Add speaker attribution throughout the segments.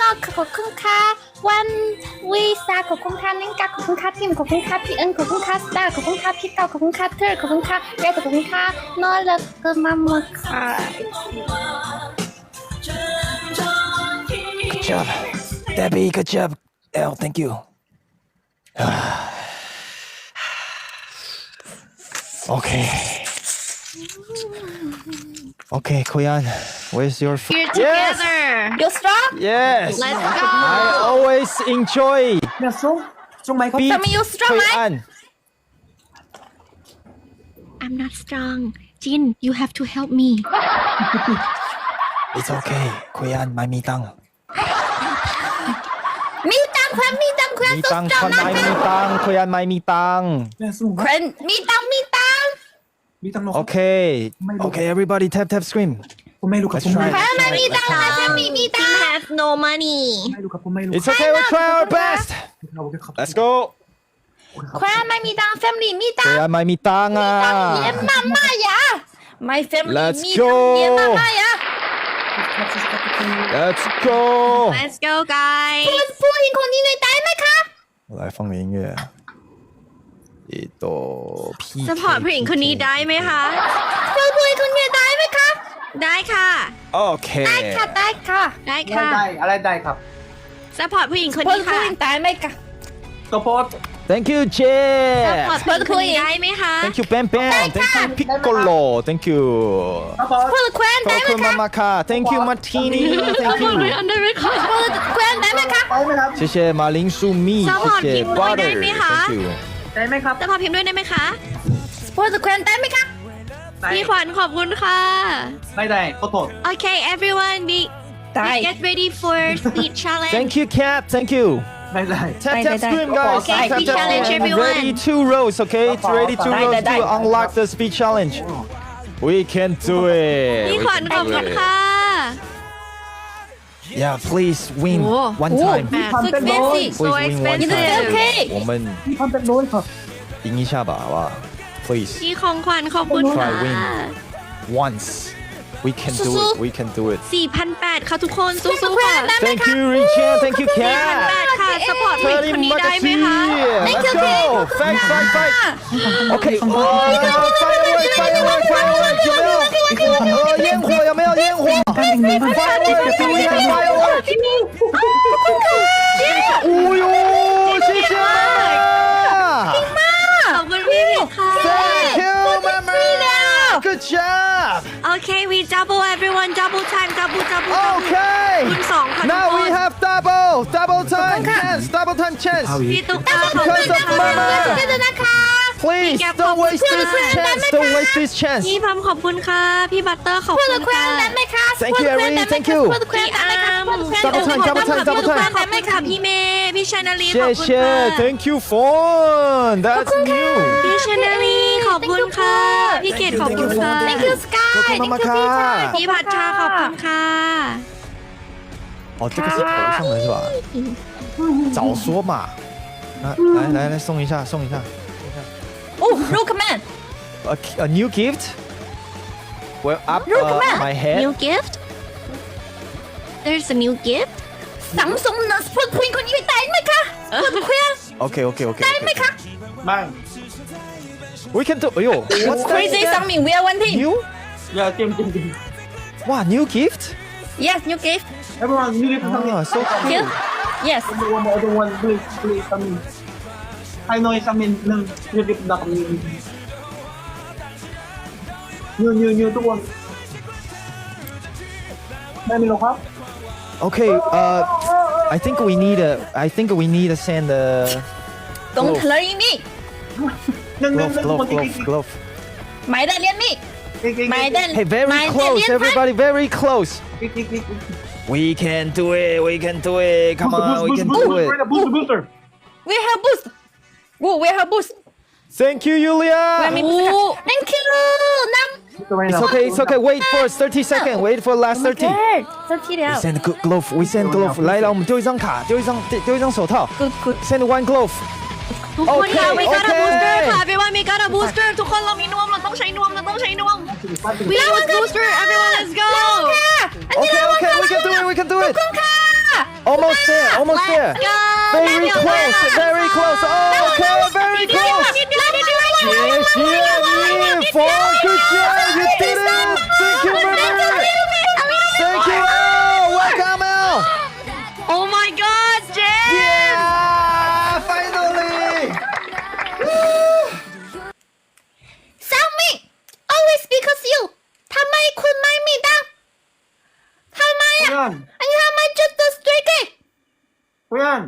Speaker 1: ขอบคุณค่ะวันวีซ่าขอบคุณค่ะนิงกาขอบคุณค่ะพิมขอบคุณค่ะพี่เอิญขอบคุณค่ะสตาร์ขอบคุณค่ะพี่เก้าขอบคุณค่ะเธอขอบคุณค่ะเรขอบคุณค่ะนอเลิกก็มาหมดค่ะ
Speaker 2: Good job Debbie good job Elle thank you Okay Okay Koyan where's your
Speaker 3: We're together.
Speaker 1: You strong
Speaker 2: Yes
Speaker 3: Let's
Speaker 2: I
Speaker 3: go.
Speaker 2: always enjoy
Speaker 4: เนี่ยส่งไหมครับ
Speaker 2: beat
Speaker 1: ทำไม you strong ไหม
Speaker 2: Koyan
Speaker 3: I'm not strong. Jin, you have to help me.
Speaker 2: It's okay Koyan ไม่มีตังค์
Speaker 1: มีตังค์ครับมีตังค์ครับ
Speaker 2: มี
Speaker 1: สุด
Speaker 2: ตังค์
Speaker 1: ยอ
Speaker 2: ค
Speaker 1: ด
Speaker 2: น
Speaker 1: นะ
Speaker 2: ไม่
Speaker 1: คะ
Speaker 2: มีตังค์ Koyan ไม่มีตังค์
Speaker 4: เนี่ยส่ง
Speaker 1: ครมีตังค์มีตังค์
Speaker 4: มีตังค์
Speaker 2: Okay
Speaker 4: ไม่รู้
Speaker 2: Okay everybody tap scream
Speaker 4: ผมไม่รู้ครับ
Speaker 2: Let's
Speaker 4: ผมไม่
Speaker 2: try
Speaker 4: รู้
Speaker 1: ครมีตังค์นะครมีตัง
Speaker 3: Jin
Speaker 1: ค์
Speaker 3: has no money.
Speaker 4: ไม่รู้ครับผมไม่รู้
Speaker 2: It's okay we'll try our best
Speaker 4: โอเคครับ
Speaker 2: Let's go
Speaker 1: ครไม่มีตังค์ family มีตังค์
Speaker 2: Koyan ไม่มีตังค์อ่ะ
Speaker 1: เยี่ยมมากๆ呀 My family
Speaker 2: Let's
Speaker 1: มีตังค์เยี่ยม
Speaker 2: go
Speaker 1: มากๆ呀
Speaker 2: Let's go
Speaker 3: Let's go, guys.
Speaker 1: ผู้หญิงคนนี้เลยได้ไหมคะ
Speaker 2: 来放点音乐一朵 P
Speaker 3: Support ผู้หญิงคนนี้ได้ไหมคะ
Speaker 1: ผู้หญิงคนนี้ได้ไหมคะ
Speaker 3: ได้ค่ะ
Speaker 2: OK
Speaker 1: ได้ค่ะได้ค่ะ
Speaker 3: ได้
Speaker 4: อะไร
Speaker 3: ค่ะ
Speaker 4: ได้อะไรได้ครับ
Speaker 3: Support ผู้หญิงคน
Speaker 1: ผู้
Speaker 3: นี้ค่ะ
Speaker 1: หญิงได้ไหมคะ
Speaker 4: ก็โพส
Speaker 2: Thank you J
Speaker 3: Support ผู้หญิงคนนี้ได้ไหมคะ
Speaker 2: Thank you Bam Bam Thank you Piccolo Thank you
Speaker 4: ก็โพส
Speaker 1: ผู้หญิงได้ไหม
Speaker 2: Coco
Speaker 1: คะ
Speaker 2: Mamaka Thank you Martini Thank you
Speaker 3: ได้ไหมคะ
Speaker 1: ผู้หญิงได้ไหมคะ
Speaker 4: ได้ไหมครับ
Speaker 2: 谢谢马铃薯蜜
Speaker 3: Support
Speaker 2: 谢谢
Speaker 3: พิมพ์ด้วยได้
Speaker 2: Butter
Speaker 3: ไหมคะ
Speaker 2: Thank you
Speaker 4: ได้ไหมครับ
Speaker 3: Support พิมพ์ด้วยได้ไหมคะ
Speaker 1: ผู้หญิงได้ไหมคะ
Speaker 4: ได้
Speaker 3: พี่ขวัญขอบคุณค่ะ
Speaker 4: ได้ขอโทษ
Speaker 3: Okay everyone be
Speaker 1: ได้
Speaker 3: get ready for speed challenge
Speaker 2: Thank you Cat Thank you
Speaker 4: ได้
Speaker 2: Tap
Speaker 1: Bye,
Speaker 2: tap
Speaker 1: bye,
Speaker 2: scream
Speaker 1: bye.
Speaker 2: guys
Speaker 3: Okay,
Speaker 2: Tap,
Speaker 3: speed
Speaker 2: tap,
Speaker 3: challenge,
Speaker 2: scream.
Speaker 3: everyone.
Speaker 2: Ready 2 rows okay It's ready 2
Speaker 1: Bye,
Speaker 2: rows
Speaker 1: bye,
Speaker 2: to
Speaker 1: bye.
Speaker 2: unlock the speed challenge We can do it
Speaker 3: พี่
Speaker 2: We
Speaker 3: ขวัญ
Speaker 2: can
Speaker 3: ขอบ
Speaker 2: do
Speaker 3: คุณ
Speaker 2: it.
Speaker 3: ค่ะ
Speaker 2: Yeah please win
Speaker 3: โอ้
Speaker 2: one
Speaker 1: โอ้
Speaker 2: time
Speaker 1: สุดเฟซี่
Speaker 3: So
Speaker 2: Please win one
Speaker 3: expensive
Speaker 2: time 我们
Speaker 4: พี่พันเป็นร้อยครับ
Speaker 2: 赢一下吧好不好 Please
Speaker 3: พี่ของขวัญขอบคุณค่ะ
Speaker 2: Try win once We can do it We can do it
Speaker 3: 4,800 ค่ะทุกคนสู้ๆค่ะ
Speaker 2: Thank you Richard Thank you Cat
Speaker 3: 4,800 ค่ะ support ผู้หญิงคนนี้ได้ไหมคะ
Speaker 2: Let's go Fight fight fight Okay Firework Firework Firework 有没有烟火有没有烟火 Firework Do we have firework 哦哟谢谢妈妈
Speaker 3: ขอบคุณพี่ผิดค่ะ
Speaker 2: Thank you mama Good job
Speaker 3: Okay we double everyone double time double
Speaker 2: Okay
Speaker 3: คุณสองค่ะทุก
Speaker 2: Now
Speaker 3: ค
Speaker 2: we
Speaker 3: น
Speaker 2: have double time chance double time chance
Speaker 3: พี่ตุ๊กตาขอบคุณ
Speaker 2: Because of
Speaker 3: ค่ะ
Speaker 2: mama
Speaker 1: เจอนะคะ
Speaker 2: Please don't waste this chance don't waste this chance
Speaker 3: พี่พัมขอบคุณค่ะ พี่บัตเตอร์ขอบ
Speaker 1: ผู้
Speaker 3: คุ
Speaker 1: หญิ
Speaker 3: ณ
Speaker 1: งแควน
Speaker 3: ค่ะ
Speaker 1: ได้ไหมคะ
Speaker 2: Thank you Ari Thank you
Speaker 1: ผู้หญิงแควนได้ไหมคะ
Speaker 2: Double time, double time, double time.
Speaker 3: ขอบคุณค่ะพี่เมย์พี่ชานาลีขอบ
Speaker 2: 谢
Speaker 3: คุณ
Speaker 2: 谢
Speaker 3: ค่ะ
Speaker 2: Thank you phone That's new
Speaker 3: พี่ชานาลีขอบคุณค่ะ พี่เกดขอบคุณค่ะ
Speaker 1: Thank you Sky
Speaker 2: Thank you,
Speaker 1: Thank you
Speaker 2: Mama
Speaker 3: พี่พัชชาขอบคุณค่ะ
Speaker 2: 哦这个是头上的是吧早说嘛来送一下送一下
Speaker 1: Oh look man
Speaker 2: A new gift Well up my head
Speaker 3: New gift There's a new gift
Speaker 1: ซัมซุงนะผู้หญิงคนนี้ได้ไหมคะผู้หญิงแควน
Speaker 2: Okay okay okay
Speaker 1: ได้ไหมคะ
Speaker 4: ไม่
Speaker 2: We can do 哎呦 What's
Speaker 1: Crazy
Speaker 2: that
Speaker 1: Sangmin we are one team
Speaker 2: New
Speaker 4: อย่าเตรียม
Speaker 2: 哇 New gift
Speaker 1: Yes new gift
Speaker 4: everyone you need to come
Speaker 2: Ah so
Speaker 1: Here
Speaker 2: cool
Speaker 1: Yes
Speaker 4: I don't want please come in I know come in หนึ่งyou need to come in new ทุกคนได้ไหมครับ
Speaker 2: Okay I think we need to send a
Speaker 1: Don't hurry me
Speaker 4: หนึ่ง
Speaker 2: glove
Speaker 1: 买的连 me 买的
Speaker 2: Hey very
Speaker 1: 买的
Speaker 2: close
Speaker 1: 连盘
Speaker 2: everybody very close We can do it we can do it Come on we can do it
Speaker 4: booster
Speaker 1: We have boost Oh we have boost
Speaker 2: Thank you Yulia
Speaker 1: Thank you น้ำ
Speaker 2: It's okay wait for 30 seconds wait for last 30
Speaker 1: 30แล้ว
Speaker 2: We send glove we send glove 来我们丢一张卡丢一张手套
Speaker 1: Good
Speaker 2: Send one glove
Speaker 3: ทุกคนค่ะ
Speaker 2: Okay,
Speaker 3: we got a
Speaker 2: okay.
Speaker 3: booster ค่ะ everyone we got a booster ทุกคนเรามีนวมเราต้องใช้นวมWe have a booster everyone let's go
Speaker 2: Okay we can do it
Speaker 1: ค่ะ
Speaker 2: Almost there, almost there. Very close, very close. Okay, very close. 谢谢你，4 good job, you did it. Thank you, Murmur. Thank you, L. Welcome, L.
Speaker 3: Oh my god Jen
Speaker 2: Yeah, finally.
Speaker 1: 小米 always because you ทำไมคุณไม่มีดังทำไมอ่ะ
Speaker 4: Kuyan,
Speaker 1: อันนี้ทำไมจุดตัวสตรีก
Speaker 4: Kuyan.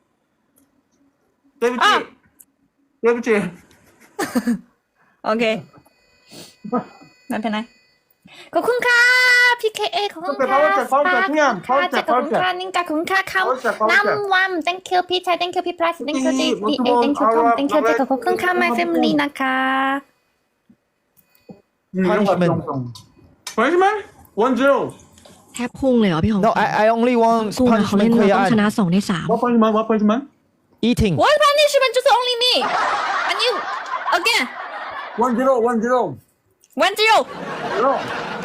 Speaker 4: 对不起，对不起。
Speaker 3: โอเคไม่เป็นไร
Speaker 1: ขอบคุณค่ะ PKA ขอบคุณค่ะ ขอบคุณค่ะนิ่งกาขอบคุณค่ะเขาน้ำวัน thank you พี่ชาย thank you พี่พลัส thank you DA thank you Tom thank you เจขอบคุณค่ะ my family นะคะ
Speaker 2: Punishment.
Speaker 4: Punishment? 1-0.
Speaker 3: แทบพุ่งเลยเหรอพี่ของ
Speaker 2: No, I only want
Speaker 3: สู้นะเขาเล่น
Speaker 2: punishment
Speaker 3: เราต้องชนะ
Speaker 2: Koyan.
Speaker 3: 2 ใน 3
Speaker 4: What punishment? What punishment?
Speaker 2: Eating.
Speaker 1: what punishment 就是 only me and you again
Speaker 4: 1-0. 1-0.
Speaker 1: 1-0
Speaker 4: 0.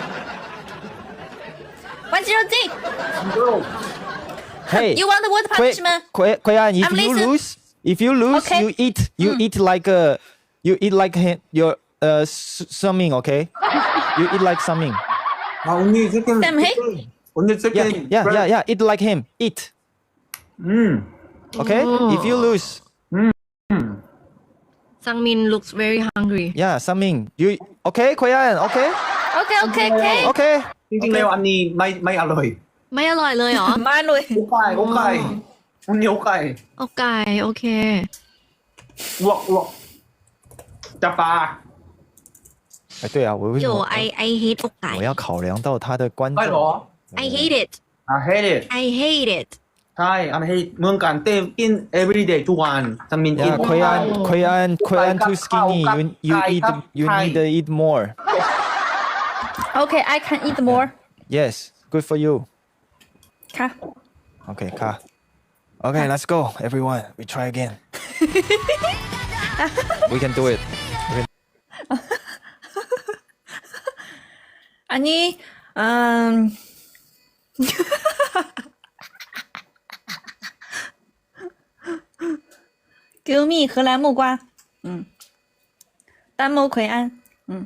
Speaker 1: 1-0 G
Speaker 4: 0.
Speaker 2: Hey,
Speaker 1: you want the what punishment
Speaker 2: Koyan, if
Speaker 1: I'm
Speaker 2: you
Speaker 1: listening.
Speaker 2: lose,
Speaker 1: Okay.
Speaker 2: you eat like your something, okay? You eat like something.
Speaker 4: Only second.
Speaker 1: Sam, hey?
Speaker 4: Only
Speaker 2: Yeah,
Speaker 4: second.
Speaker 2: yeah. Eat like him. Eat. Okay? If you lose,
Speaker 3: Sangmin looks very hungry
Speaker 2: yeah, something. You okay, Koyan? Okay?
Speaker 1: okay okay okay
Speaker 2: Okay.
Speaker 4: จริงๆแล้วอันนี้ไม่อร่อย
Speaker 3: ไม่อร่อยเลยเหรอ
Speaker 1: มาเลย
Speaker 4: อกไก่อันนี้อกไก่
Speaker 3: อกไก่โอเค
Speaker 4: อ้วกจับปลา
Speaker 2: 哎，对啊，我为什
Speaker 3: 有
Speaker 2: 么
Speaker 3: I hate อกไก่
Speaker 2: 我要考量到他的观
Speaker 4: ได้เหรอ
Speaker 2: 众？
Speaker 3: I hate it
Speaker 4: hate it
Speaker 3: I hate it
Speaker 4: ใช่อันนี้เมืองการเต้นกิน every day ทุกวันจะมินกิน
Speaker 2: Yeah, Koyan too skinny. You need to eat more.
Speaker 1: okay I can eat more
Speaker 2: Yes, good for you.
Speaker 1: ค่ะ
Speaker 2: Okay, Ka. Okay, let's go, everyone. We try again. We can do it.
Speaker 1: อันนี้Give me 荷兰木瓜，丹木奎安，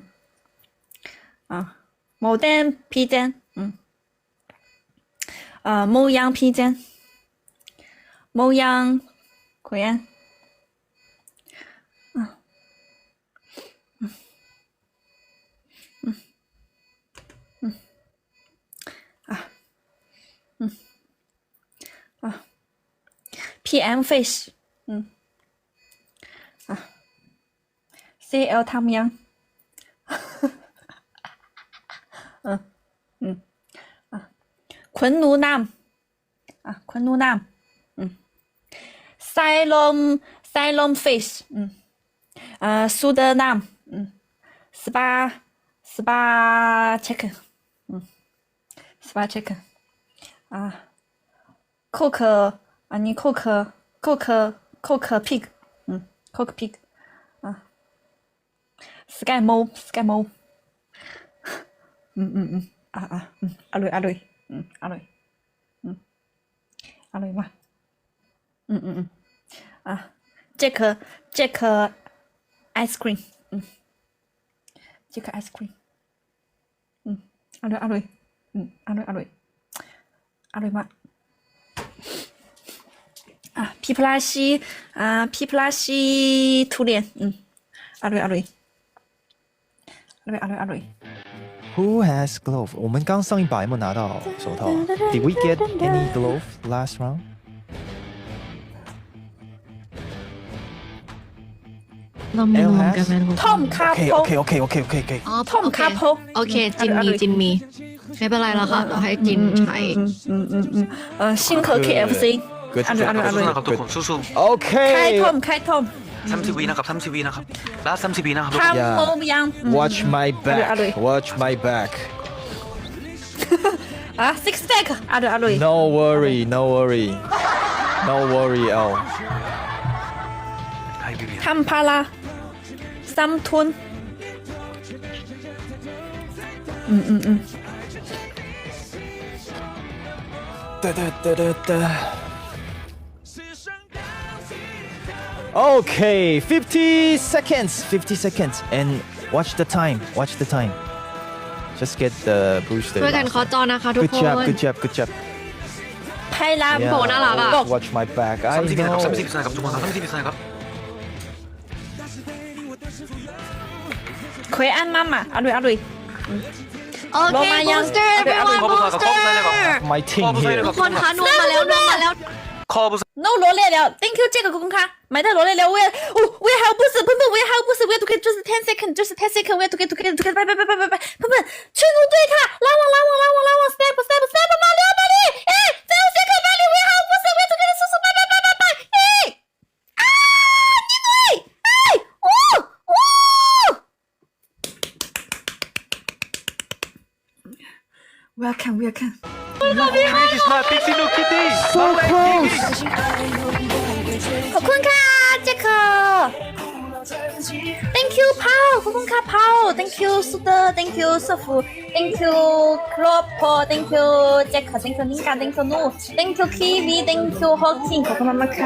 Speaker 1: 牡丹披肩，牧羊披肩，牧羊奎安，PM fish，CL 汤阳，昆奴南，昆奴南，Ceylon fish，苏德南，Spa chicken，Spa chicken，Coke，你 Coke pig， Coke pig。Sky Mo， อร่อยอร่อยมากJack ice cream， Jack ice cream， อร่อยมาก皮普拉西ทุเรียนอร่อย
Speaker 2: Who has glove? 我们刚上一把有没有拿到手套？Did we get any glove last round?
Speaker 3: เรามีรวมกันไหม
Speaker 1: Tom คาโพ
Speaker 2: Okay.
Speaker 3: อ๋อ
Speaker 1: Tom คาโพ
Speaker 3: โอเคจินมีไม่เป็นไรแล้วค่ะเราให้จินใช้
Speaker 1: 星河 KFC
Speaker 2: Good.
Speaker 1: อร่อย
Speaker 5: ครับทุกคนสู้
Speaker 1: 开
Speaker 2: Okay.
Speaker 1: Tom 开 Tom
Speaker 5: ๆ30 วินะครับ30 วินะครับลา30 วินะครับ
Speaker 1: ทำโมยัง
Speaker 2: Watch my back.
Speaker 1: Alright.
Speaker 2: Watch my back.
Speaker 1: six pack อร่อย
Speaker 2: No worry. L.
Speaker 5: ให้พี่บี
Speaker 1: ทำพาราซัมทุน
Speaker 2: Okay, 50 seconds. 50 seconds. And watch the time. Watch the time. Just get the booster.
Speaker 3: ช่วยกันเคาะจอนะคะทุก
Speaker 2: Good
Speaker 3: คน
Speaker 2: job. Good job. Good job.
Speaker 1: ไพลาม
Speaker 3: โหน่ารักอะ
Speaker 2: Watch my back. I
Speaker 5: 30วินะครับ
Speaker 2: know.
Speaker 5: 30วินะครับทุกคนครับ30วินะครับ
Speaker 1: เคยอันมามาเอาด้วยเอาด้วย
Speaker 3: โอเค
Speaker 1: ลงมายัง
Speaker 3: booster
Speaker 1: เอาไป
Speaker 3: everyone
Speaker 5: เอาไป
Speaker 3: booster
Speaker 2: My team
Speaker 5: ขอบคุณ
Speaker 2: here.
Speaker 3: ทุกคนคะนวมมาแล้วนวมมาแล้ว
Speaker 5: คอบุษ
Speaker 1: no 罗列了 thank you 这个公开买的罗列了我也还有不是喷喷我也还有不是我也都可以就是10 second 就是10 second 我也都可以拜喷喷去怒对他拉网step马里哎最后 second 马里我也还有不是我也都可以叔拜哎啊你对哎哦 welcome
Speaker 5: This is my Pixie Kitty
Speaker 2: So close.
Speaker 1: ขอบคุณค่ะเจค thank you พาวขอบคุณค่ะพาว thank you สุด thank you สฟู thank you ครอบครัว thank you เจค thank you นิงกา thank you นู thank you คีวี thank you ฮอกจิงขอบคุณมากๆค่ะ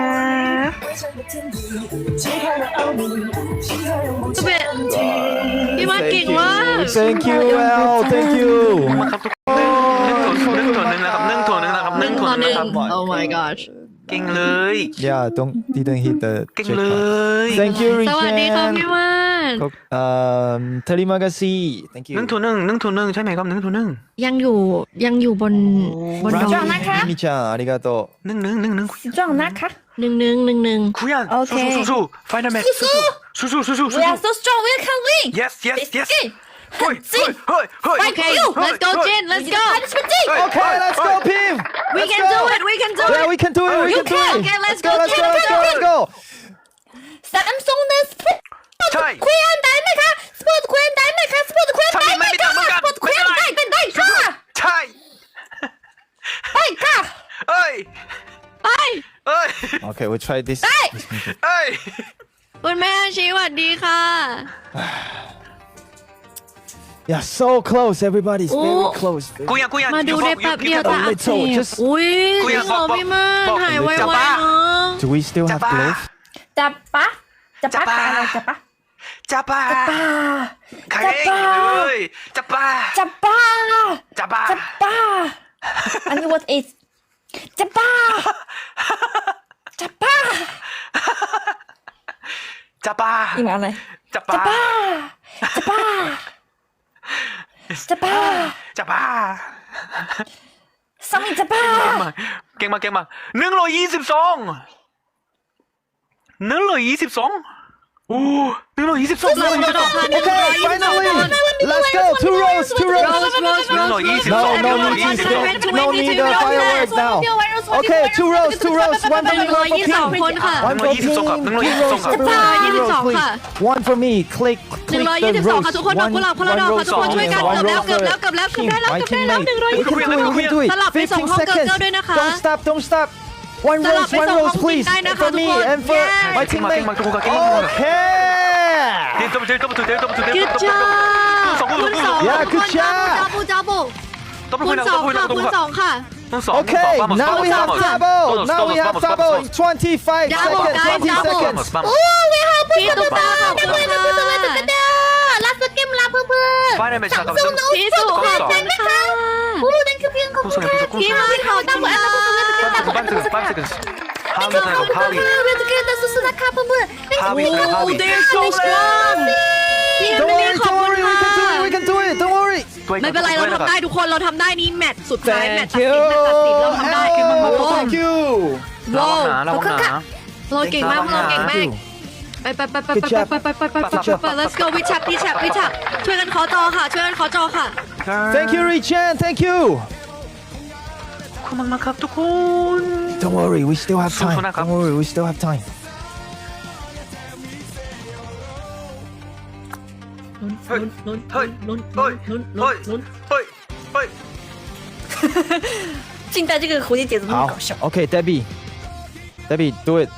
Speaker 3: จะเป็นพี่มาเก่งมาก
Speaker 2: Thank you, Al. Thank you.
Speaker 5: มาครับทุกคน1 นะครับ1 นะครับ
Speaker 3: หนึ่งต่อหนึ่ง
Speaker 5: นะครับ
Speaker 3: oh my gosh
Speaker 5: เก่งเลย
Speaker 2: Yeah, didn't hit the
Speaker 5: เก่ง
Speaker 2: jackpot.
Speaker 5: เลย
Speaker 2: Thank you,
Speaker 3: สวัสดีค่ะ
Speaker 2: Richard.
Speaker 3: พี่มาน
Speaker 2: Terima kasih. Thank you.
Speaker 5: 1 ใช่ไหมครับ1
Speaker 3: ยังอยู่บนดอย
Speaker 1: จ้องนะคะ
Speaker 2: Mimi-chan, arigato.
Speaker 1: จ้องนะคะ
Speaker 3: หนึ่ง
Speaker 5: คุยัน
Speaker 1: โอเค
Speaker 5: สู้ๆ Find a match สู้
Speaker 1: we are so strong we can win
Speaker 5: Yesเฮ้ย
Speaker 3: okay let's go Jin let's go
Speaker 2: Okay, let's go, Pim.
Speaker 3: we
Speaker 2: Let's
Speaker 3: can
Speaker 2: go.
Speaker 3: do it we can do
Speaker 2: Yeah,
Speaker 3: it
Speaker 2: we can do it. We
Speaker 3: You
Speaker 2: can do
Speaker 3: can.
Speaker 2: it.
Speaker 3: Okay, let's
Speaker 2: go.
Speaker 3: go,
Speaker 2: Let's go.
Speaker 3: Jin,
Speaker 2: Let's go. Let's go.
Speaker 1: ซัมซุง的 sport
Speaker 5: ใช่
Speaker 1: คุยอันได้ไหมคะ sport คุยอันได้ไหมคะ sport คุยอันได้ไหมคะ sport คุยอันได้ค่ะ
Speaker 5: ใช่
Speaker 1: ได้ค่ะ
Speaker 5: เอ้ย
Speaker 3: ไป
Speaker 2: Okay, we'll try this.
Speaker 5: เอ้ย
Speaker 3: คุณแม่อาชีสวัสดีค่ะ
Speaker 2: Yeah, so close. Everybody's very
Speaker 3: Oh.
Speaker 2: close.
Speaker 5: กูยัน
Speaker 3: มาดูได้แป๊บเดียว
Speaker 2: you
Speaker 3: แต่
Speaker 2: can
Speaker 3: อักเส
Speaker 2: little,
Speaker 3: บ
Speaker 2: just-
Speaker 3: อุ้ย
Speaker 5: คุยอะ
Speaker 3: ขอพี่มาน
Speaker 5: บอก
Speaker 3: หายไว
Speaker 5: จะ
Speaker 3: ๆ
Speaker 5: บ้า
Speaker 3: เนาะ
Speaker 2: Do we still have
Speaker 5: Japa.
Speaker 2: gloves?
Speaker 1: จับปะจับปะอะไรจับปะ
Speaker 5: จับป้า
Speaker 1: ป้า
Speaker 5: ใคร
Speaker 1: จับป้า
Speaker 5: เลยจับป้า
Speaker 1: จับป้า
Speaker 5: จับป้า
Speaker 1: จับป้าอันนี้ what is จับป้าจับป้า
Speaker 5: จับป้า
Speaker 1: อีกอะไร
Speaker 5: จับ
Speaker 1: จับ
Speaker 5: ป้า
Speaker 1: ป้าจับป้าจับป้า
Speaker 5: จับป้า
Speaker 1: สามีจับป้า
Speaker 5: เก่งมาก122โอ้122
Speaker 3: เรากระโดดผ่าน
Speaker 2: Okay, finally. Let's go. 2 rows. 2 rows. No need the fireworks now. Okay, 2 rows. 2 rows. One for me.
Speaker 3: 122 คนค่ะ
Speaker 2: One for Pim. 2 rows.
Speaker 3: 122
Speaker 2: Please.
Speaker 3: ค่ะ
Speaker 2: One for me. Click the
Speaker 3: 122
Speaker 2: rows.
Speaker 3: ค่ะทุกคนดอกกุหลาบคนละดอกค่ะทุกคนช่วยกันเกือบแล้ว
Speaker 2: Team,
Speaker 3: ได้แล้ว
Speaker 2: my
Speaker 3: เกือบได้แล้ว
Speaker 2: teammate. We can do it. We can do it.
Speaker 3: สลับไปส่ง
Speaker 2: 15
Speaker 3: ห้องเกิร์ล
Speaker 2: seconds.
Speaker 3: ด้วยนะคะ
Speaker 2: Don't stop. Don't stop. One
Speaker 3: สลับ
Speaker 2: rows.
Speaker 3: ไป
Speaker 2: One
Speaker 3: ส่งห้อง
Speaker 2: rows, please.
Speaker 3: ได้นะคะ
Speaker 2: For
Speaker 3: ทุก
Speaker 2: me
Speaker 3: คน
Speaker 2: and for
Speaker 3: Yes.
Speaker 2: my
Speaker 5: เก่งมาก
Speaker 2: teammate.
Speaker 5: ทุกคนเก่งมาก
Speaker 2: Okay.
Speaker 5: เดี๋ยว
Speaker 3: Good job คุณสอง
Speaker 2: Yeah, good job.
Speaker 3: จับคุณสองค่ะคุณสองค่ะ
Speaker 2: Okay, now we have double. Now we have double. 25
Speaker 3: Double,
Speaker 2: seconds.
Speaker 3: guys,
Speaker 2: 20
Speaker 3: double.
Speaker 2: seconds.
Speaker 1: โอ้ยฮะ
Speaker 3: พี่ตุ๊กตาขอบคุณค่ะ
Speaker 1: ลาสเกมลาเพื่อน
Speaker 5: Find a match นะครับ
Speaker 3: พี่สุขอบคุณค่ะ
Speaker 1: โอ้ thank you พี่ขอบคุณค่ะ
Speaker 3: พี่มาขอบคุณค่ะ
Speaker 5: 5 seconds How is it? How is it?
Speaker 1: เวทเกตสุดๆนะคะเพื่อน
Speaker 5: How is it? How is it?
Speaker 3: They're so strong พี่
Speaker 2: Don't
Speaker 3: ไม่
Speaker 2: worry,
Speaker 3: ขอบ
Speaker 2: don't
Speaker 3: คุณ
Speaker 2: worry.
Speaker 3: ค่ะ
Speaker 2: We can do it. Don't worry.
Speaker 3: ไม่เป็นไรเราทำได้ทุกคนเราทำได้นี้แมตช์สุดท้ายแมตช์
Speaker 2: Thank
Speaker 3: ตัด
Speaker 2: you.
Speaker 3: สินเราทำได้
Speaker 2: Oh, thank you.
Speaker 5: ระวังนะระวังนะ
Speaker 3: เราเก่งมากเราเก่งมากไป let's go วิชักช่วยกันขอจอค่ะช่วยกันขอจอค่ะ
Speaker 2: Thank you, Richan. Thank you.
Speaker 5: ขอบคุณมากครับทุกคน
Speaker 2: Don't worry. We still have time.
Speaker 5: Susunod ka.
Speaker 2: Don't worry. We still have time.
Speaker 5: เฮ้ยเฮ้ยเฮ้ย
Speaker 1: 近代这个蝴蝶结怎么那么
Speaker 2: 好
Speaker 1: 搞笑？
Speaker 2: Okay, Debbie. Debbie, do it.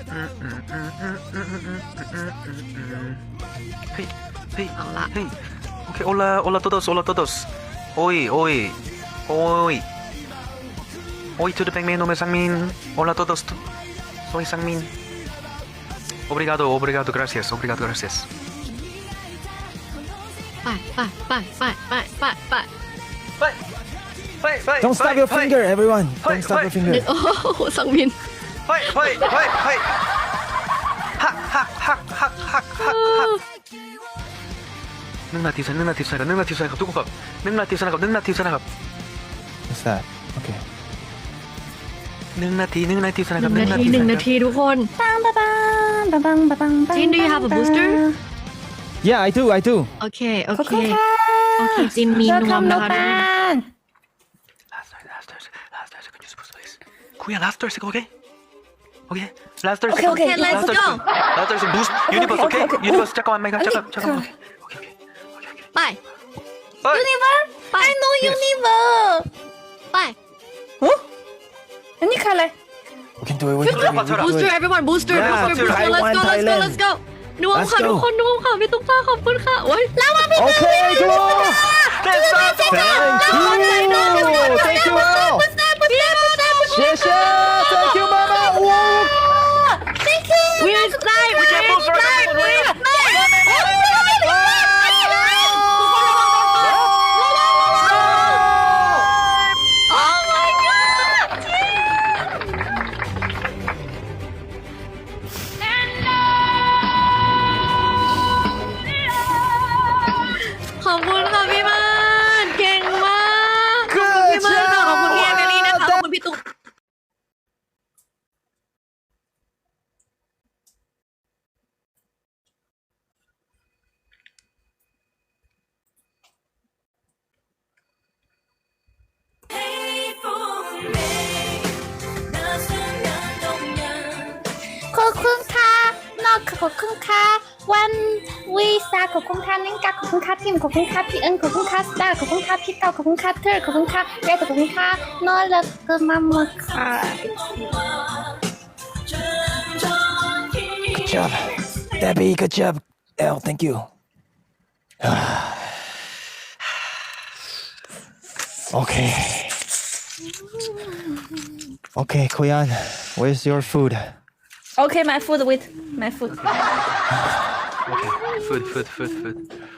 Speaker 5: เฮ้ยเฮ้ย
Speaker 3: เอาละ
Speaker 5: เฮ้ยโอเค hola todos hola todos โอ้ย Hoy to the Bang Man, nome Sangmin. Hola a todos. Soy Sangmin. Obrigado, obrigado, gracias, obrigado, gracias.
Speaker 3: ไป
Speaker 2: Don't stop your finger, everyone. Don't stop your finger.
Speaker 3: โอ้โหสังมิน
Speaker 5: เฮ้ยฮัก1 นาที1 นาทีครับ1 นาทีครับทุกคนครับ1 นาทีครับ1 นาทีครับ
Speaker 2: What's that? Okay.
Speaker 5: 1 นาทีครับ
Speaker 3: 1 นาทีทุกคน
Speaker 1: ปังปังปังปังปังปังปัง
Speaker 3: Jin, do you have a booster?
Speaker 2: Yeah, I do.
Speaker 3: โอเค
Speaker 1: ขอบคุณค่ะ
Speaker 3: โอเคจินมีนวมนะคะ
Speaker 5: Last 30 can you suppose please? Kuya, last 30 okay? Okay, last 30
Speaker 1: Okay, okay,
Speaker 3: let's go.
Speaker 5: Last 30 boost universe, okay? Universe, 잠깐만, 잠깐. Okay.
Speaker 3: ไป
Speaker 1: Universe I know Universe
Speaker 3: ไป
Speaker 1: อันนี้คืออะไร
Speaker 2: We can do it. We can do it. We can do
Speaker 3: booster
Speaker 2: it.
Speaker 3: everyone booster
Speaker 2: Yeah,
Speaker 3: booster
Speaker 2: Taiwan,
Speaker 3: let's go
Speaker 2: Thailand.
Speaker 3: let's go นวม
Speaker 2: Let's
Speaker 3: ค่ะ
Speaker 2: go.
Speaker 3: ทุกคนนวมค่ะพี่ตุ๊กตาขอบคุณค่ะโอ้ย
Speaker 2: Okay, go. Thank you. Thank you all. 谢谢 Thank you, Mama. Whoa.
Speaker 1: Thank you
Speaker 3: We're live
Speaker 5: can't move forever.
Speaker 1: Oh my god
Speaker 3: ขอบคุณค่ะพี่มานเก่งมากขอบคุณพี่มานค่ะขอบคุณพี่แอมเบลี่นะคะขอบคุณพี่ตุ๊ก
Speaker 1: ขอบคุณค่ะนอกขอบคุณค่ะวันวีซ่าขอบคุณค่ะนิ่งกาขอบคุณค่ะพิมขอบคุณค่ะพี่เอิญขอบคุณค่ะสตาร์ขอบคุณค่ะพี่เต้าขอบคุณค่ะเธอขอบคุณค่ะเรขอบคุณค่ะนอรักก็มาหมดค่ะ
Speaker 2: Good job. Debbie, good job. Elle, thank you. Okay. Okay, Koyan, where's your food?
Speaker 1: Okay my food with my food
Speaker 5: Okay, food.